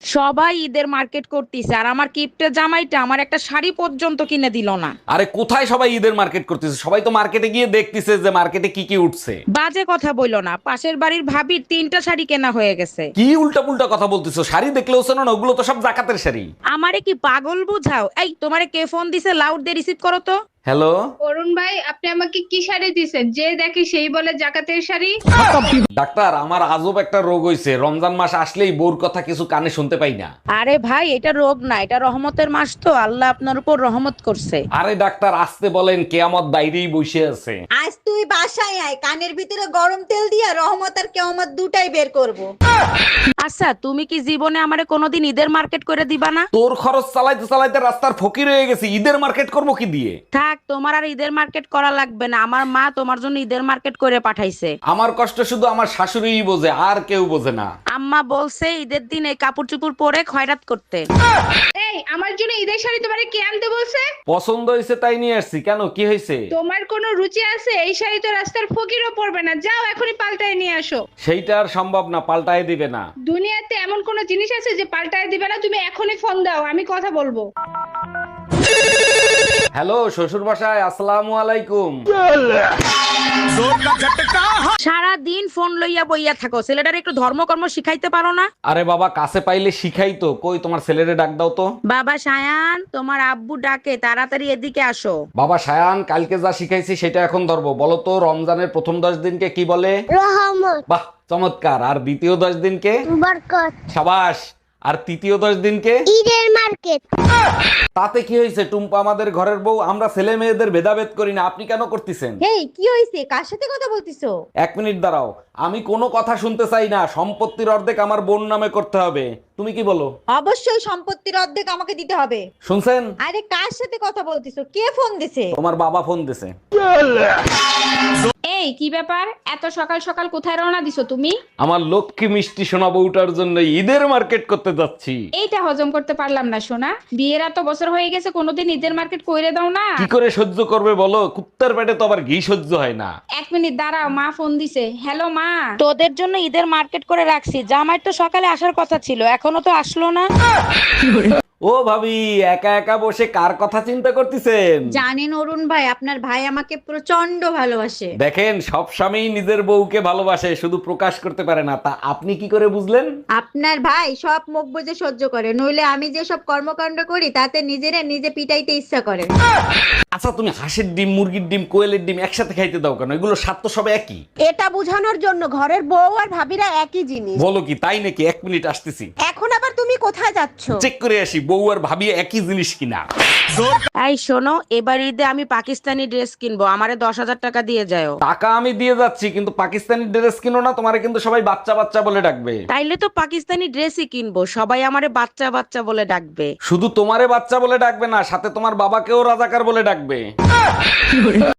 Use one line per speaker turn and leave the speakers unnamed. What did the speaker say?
সবাই ঈদের মার্কেট করতেছে আর আমার কিপ্টে জামাইটা আমার একটা শাড়ি পর্যন্ত কিনে দিল না।
আরে কোথায় সবাই ঈদের মার্কেট করতেছে? সবাই তো মার্কেটে গিয়ে দেখতেছে যে মার্কেটে কি কি উঠছে।
বাজে কথা বইলো না, পাশের বাড়ির ভাবির 3টা শাড়ি কেনা হয়ে গেছে।
কি উল্টা পুল্টা কথা বলতেছো? শাড়ি দেখলেও শোনো না, ওগুলো তো সব জাকাতের শাড়ি।
আমারে কি পাগল বুঝাও? এই তোমারে কে ফোন দিছে? লাউড দিয়ে রিসিভ করো তো।
হ্যালো।
অরুণ ভাই, আপনি আমাকে কি শাড়ি দিছেন? যে দেখি সেই বলে জাকাতের শাড়ি।
ডাক্তার, আমার আজব একটা রোগ হইছে, রমজান মাস আসলেই বউর কথা কিছু কানে শুনতে পাই না।
আরে ভাই, এটা রোগ না, এটা রহমতের মাস, তো আল্লাহ আপনার উপর রহমত করছে।
আরে ডাক্তার, আসতে বলেন, কেয়ামত বাইরেই বসে আছে।
আজ তুই বাসায় আয়, কানের ভিতরে গরম তেল দিয়া রহমত আর কেয়ামত দুটাই বের করব।
আচ্ছা, তুমি কি জীবনে আমারে কোনোদিন ঈদের মার্কেট করে দিবা না?
তোর খরচ চালাইতে চালাইতে রাস্তার ফকির হয়ে গেছি, ঈদের মার্কেট করবো কি দিয়ে?
থাক, তোমার আর ঈদের মার্কেট করা লাগবে না, আমার মা তোমার জন্য ঈদের মার্কেট করে পাঠাইছে।
আমার কষ্ট শুধু আমার শাশুড়িই বোঝে, আর কেউ বোঝে না।
আম্মা বলছে ঈদের দিন এই কাপড় চুপড় পরে খয়রাত করতে।
এই, আমার জন্য ঈদের শাড়ি তোমারে কে আনতে বলছে?
পছন্দ হয়েছে তাই নিয়ে আসছি। কেন, কি হয়েছে?
তোমার কোনো রুচি আছে? এই শাড়ি তো রাস্তার ফকিরও পরবে না। যাও এখনই পাল্টায় নিয়ে আসো।
সেইটা আর সম্ভব না, পাল্টাই দিবে না।
দুনিয়াতে এমন কোনো জিনিস আছে যে পাল্টায় দিবে না? তুমি এখনই ফোন দাও, আমি কথা বলবো।
হ্যালো, শ্বশুর বাসায়, আসসালামু আলাইকুম।
সারা দিন ফোন লইয়া বইয়া থাকো, ছেলেটার একটু ধর্মকর্ম শিখাইতে পারো না?
আরে বাবা, কাছে পাইলে শিখাই তো। কই, তোমার ছেলেরে ডাক দাও তো।
বাবা সায়ান, তোমার আব্বু ডাকে, তাড়াতাড়ি এদিকে আসো।
বাবা সায়ান, কালকে যা শিখাইছি সেটা এখন ধরবো। বলো তো, রমজানের প্রথম 10 দিনকে কি বলে?
রহমত,
বাহ, চমৎকার। আর দ্বিতীয় 10 দিনকে?
বরকত,
সাবাস। আর তৃতীয় 10 দিনকে?
ঈদের মার্কেট।
তাতে কি হয়েছে? টুম্পা আমাদের ঘরের বউ, আমরা ছেলে মেয়েদের ভেদাভেদ করি না। আপনি কেন করতেছেন?
এই কি হইছে? কার সাথে কথা বলতিছো?
1 মিনিট দাঁড়াও, আমি কোনো কথা শুনতে চাই না। সম্পত্তির অর্ধেক আমার বোন নামে করতে হবে। তুমি কি বলো?
অবশ্যই সম্পত্তির অর্ধেক আমাকে দিতে হবে।
শুনছেন?
আরে কার সাথে কথা বলতিছো? কে ফোন দিছে?
তোমার বাবা ফোন দিছে।
এই, কি ব্যাপার? এত সকাল সকাল কোথায় রওনা দিছো তুমি?
আমার লক্ষ্মী মিষ্টি সোনা বউটার জন্য ঈদের মার্কেট করতে যাচ্ছি।
এইটা হজম করতে পারলাম না সোনা। বিয়ের এত বছর হয়ে গেছে, কোনোদিন ঈদের মার্কেট কইরে দাও না।
কি করে সহ্য করবে বলো? কুত্তার পেটে তো আবার ঘি সহ্য হয় না।
1 মিনিট দাঁড়াও, মা ফোন দিছে। হ্যালো মা।
তোদের জন্য ঈদের মার্কেট করে রাখছি, জামাই তো সকালে আসার কথা ছিল, এখনো তো আসলো না।
ও ভাবি, একা একা বসে কার কথা চিন্তা করতেছেন?
জানেন অরুণ ভাই, আপনার ভাই আমাকে প্রচন্ড ভালোবাসে।
দেখেন, সব স্বামী নিজের বউকে ভালোবাসে, শুধু প্রকাশ করতে পারে না। তা আপনি কি করে বুঝলেন?
আপনার ভাই সব মুখ বুজে সহ্য করে, নইলে আমি যে সব কর্মকাণ্ড করি তাতে নিজেরা নিজে পিটাইতে ইচ্ছা করে।
আচ্ছা, তুমি হাঁসের ডিম, মুরগির ডিম, কোয়েলের ডিম একসাথে খাইতে দাও কেন? এগুলো স্বাদ তো সব একই।
এটা বোঝানোর জন্য ঘরের বউ আর ভাবিরা একই জিনিস।
বলো কি, তাই নাকি? 1 মিনিট আসতেছি,
এখন আবার তুমি কোথায় যাচ্ছ?
চেক করে আসি বউ আর ভাবি একই জিনিস কিনা।
এই শোনো, এবার ঈদে আমি পাকিস্তানি ড্রেস কিনবো, আমারে 10,000 টাকা দিয়ে যাও।
টাকা আমি দিয়ে যাচ্ছি, কিন্তু পাকিস্তানি ড্রেস কিনো না। তোমারে কিন্তু সবাই বাচ্চা বাচ্চা বলে ডাকবে।
তাইলে তো পাকিস্তানি ড্রেসই কিনবো, সবাই আমারে বাচ্চা বাচ্চা বলে ডাকবে।
শুধু তোমারে বাচ্চা বলে ডাকবে না, সাথে তোমার বাবাকেও রাজাকার বলে ডাকবে।